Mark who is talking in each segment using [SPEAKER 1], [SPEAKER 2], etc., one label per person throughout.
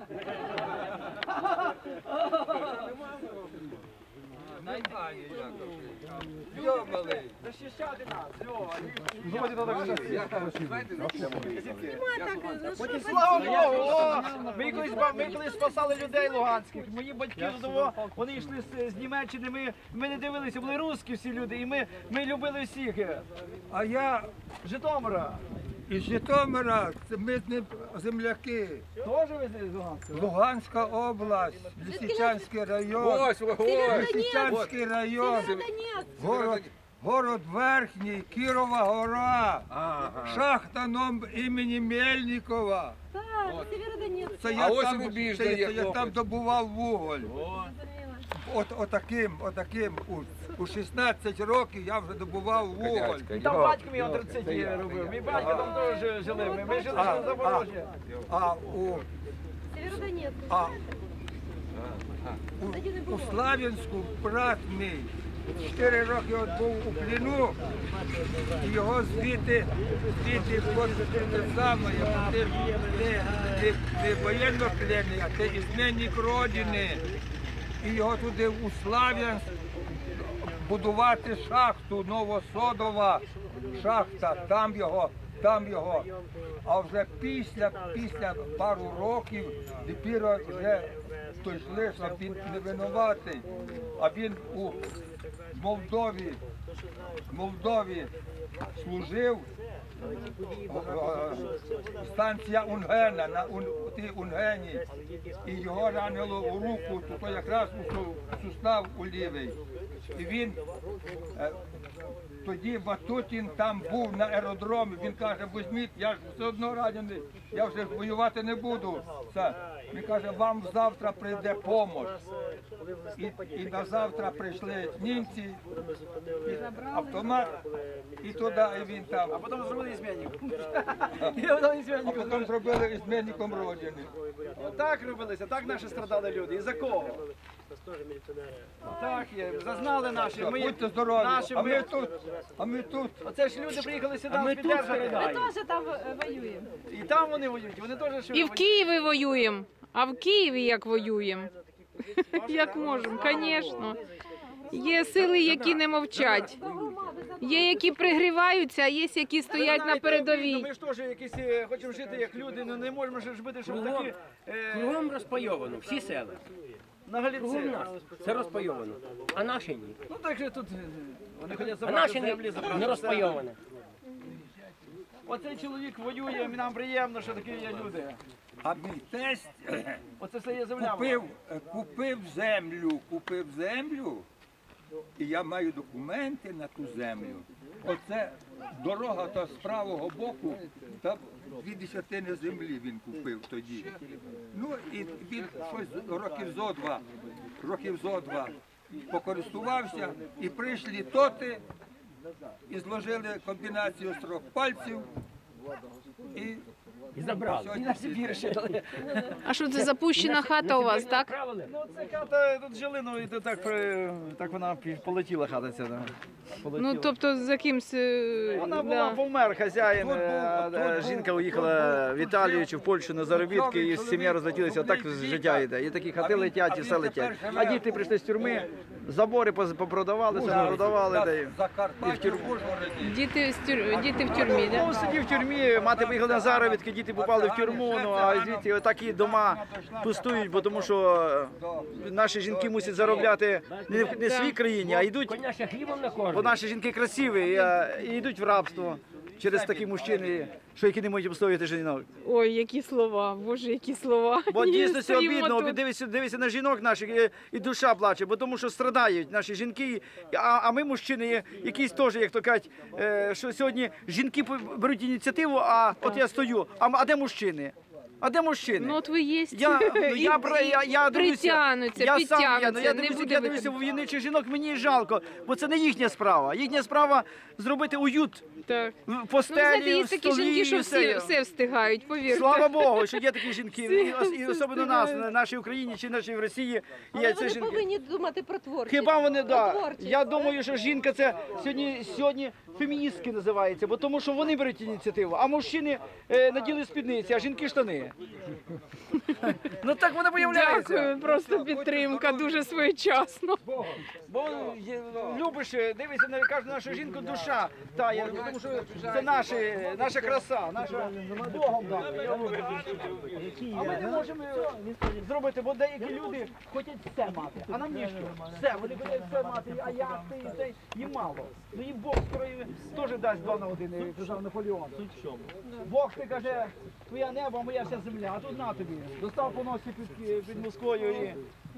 [SPEAKER 1] Йо-малий!
[SPEAKER 2] Защищати нас, Льова! Слава Богу! Ми колись спасали людей луганських. Мої батьки, вони йшли з Німеччини, ми не дивилися, були русські всі люди, і ми любили всіх.
[SPEAKER 1] А я
[SPEAKER 2] З Житомира.
[SPEAKER 1] із Житомира, це ми з ним земляки.
[SPEAKER 2] Теж ви з Луганська?
[SPEAKER 1] Луганська область, Лисичанський район. Лисичанський район, город Верхній, Кірова гора, шахта імені Мельникова.
[SPEAKER 3] Так, Сєвєродонецьк.
[SPEAKER 1] Це я там добував вуголь. Отаким, у 16 років я вже добував вуголь.
[SPEAKER 2] І там батько мій антрацит робив. Мій батько там теж жили. Ми жили на Запорожжі.
[SPEAKER 3] Сєвєродонецьк.
[SPEAKER 1] У Слав'янську брат мій 4 роки от був у пліну, і його звідти не воєнно пленний, а це ізменник родини. І його туди у Слав'янськ будувати шахту, Новосодова шахта, там його. А вже після пару років тепер вже той шлиш, він не винуватий, а він у Молдові служив, станція Унгена, на Унгені, і його ранило у руку, то якраз у сустав у лівий. І він, тоді Ватутін там був на аеродромі, він каже, візьміть, я ж все одно ранений, я вже воювати не буду. Він каже, вам завтра прийде допомога. І на завтра прийшли німці, автомат, і туди, і він там.
[SPEAKER 2] А потім зробили ізменником.
[SPEAKER 1] А потім зробили ізменником родини.
[SPEAKER 2] Так робилися, так наші страдали люди. І за кого? Так є, зазнали наші.
[SPEAKER 1] Будьте здорові, а ми тут.
[SPEAKER 2] Оце ж люди приїхали сюди підтримати.
[SPEAKER 3] Ми теж там воюємо.
[SPEAKER 2] І там вони воюють, вони теж що
[SPEAKER 4] І в Києві воюємо. А в Києві як воюємо? Як можемо, звісно. Є сили, які не мовчать. Є, які пригріваються, а є, які стоять на передовій.
[SPEAKER 2] Ми ж теж якісь хочемо жити як люди, але не можемо ж бути, щоб такі...
[SPEAKER 5] Кругом розпайовано, всі села.
[SPEAKER 2] На Галіці.
[SPEAKER 5] Це розпайовано. А наші ні.
[SPEAKER 2] Ну так же тут вони хочуть
[SPEAKER 5] А
[SPEAKER 2] забрати
[SPEAKER 5] наші
[SPEAKER 2] землі, забрати
[SPEAKER 5] не
[SPEAKER 2] все.
[SPEAKER 5] розпайоване.
[SPEAKER 2] Оцей чоловік воює, нам приємно, що такі є люди.
[SPEAKER 1] А мій тесть
[SPEAKER 2] Оце все є земля.
[SPEAKER 1] купив землю, і я маю документи на ту землю. Оце дорога та з правого боку, там 2 десятини землі він купив тоді. Ну і він щось років зо два покористувався, і прийшли тоти, і зложили комбінацію з 3 пальців,
[SPEAKER 5] І забрали.
[SPEAKER 4] А що це запущена хата у вас, так?
[SPEAKER 2] Ну це хата, тут жили, ну і так вона полетіла хата ця.
[SPEAKER 4] Ну, тобто за кимсь...
[SPEAKER 2] Вона була, помер хазяїн, жінка уїхала в Італію чи в Польщу на заробітки, і сім'я розлетілася, отак життя йде. І такі хати летять, і все летять. А діти прийшли з тюрми, забори попродавали, все продавали. І в тюрму.
[SPEAKER 4] Діти в тюрмі,
[SPEAKER 2] Ну,
[SPEAKER 4] так?
[SPEAKER 2] сидів в тюрмі, мати виїхала на заробітки, діти попали в тюрму, ну а звідти такі дома пустують, бо тому що наші жінки мусять заробляти не в своїй країні, а йдуть,
[SPEAKER 5] Коняше хлібом на кожен.
[SPEAKER 2] бо наші жінки красиві, і йдуть в рабство через такі мужчини, що які не можуть обстояти жінок.
[SPEAKER 4] Ой, які слова, боже, які слова.
[SPEAKER 2] Бо дійсно це
[SPEAKER 4] Стоїмо
[SPEAKER 2] обідно,
[SPEAKER 4] тут.
[SPEAKER 2] дивися на жінок наших, і душа плаче, бо тому що страдають наші жінки, а ми, мужчини, якісь теж, як то кажуть, що сьогодні жінки беруть ініціативу, а от я стою, а де мужчини? А де мужчини?
[SPEAKER 4] Ну, от ви є.
[SPEAKER 2] Я
[SPEAKER 4] Притягнуться,
[SPEAKER 2] я
[SPEAKER 4] підтягнуться, не
[SPEAKER 2] дивлюся,
[SPEAKER 4] буде
[SPEAKER 2] я дивлюся в війничих жінок, мені жалко, бо це не їхня справа. Їхня справа зробити уют
[SPEAKER 4] Так.
[SPEAKER 2] в
[SPEAKER 4] Ну, ви
[SPEAKER 2] постелі,
[SPEAKER 4] знаєте, є
[SPEAKER 2] в
[SPEAKER 4] такі
[SPEAKER 2] столі,
[SPEAKER 4] жінки, що
[SPEAKER 2] все.
[SPEAKER 4] все встигають, повірте.
[SPEAKER 2] Слава Богу, що є такі жінки, і особливо нас, в нашій Україні чи нашій в Росії
[SPEAKER 3] Але
[SPEAKER 2] є ці
[SPEAKER 3] вони
[SPEAKER 2] жінки.
[SPEAKER 3] повинні думати про творчість.
[SPEAKER 2] Хіба вони,
[SPEAKER 3] Про
[SPEAKER 2] да.
[SPEAKER 3] творчість.
[SPEAKER 2] Я думаю, що жінка це сьогодні феміністки називається, бо тому що вони беруть ініціативу, а мужчини наділи спідниці, а жінки штани. Ну так воно виявляється.
[SPEAKER 4] Дякую, просто підтримка, дуже своєчасно.
[SPEAKER 2] Бо любиш, дивишся на кожну нашу жінку душа тає, тому що це наша краса, наша Богом дана. А ми не можемо зробити, бо деякі люди хочуть все мати, а нам ніщо. Все, вони хочуть все мати, а я, ти, цей, їм мало. Ну їм Бог скоро теж дасть 2 на 1, як казав Наполеон. Бог, ти каже, твоя небо, а моя вся земля, а тут на тобі. Достав по носі під Москвою і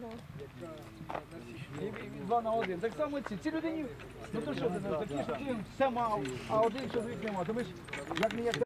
[SPEAKER 2] 2 на 1. Так само ці людині, ну то що ти не такі, що ти все мав, а один чоловік не мав. То ми ж як не як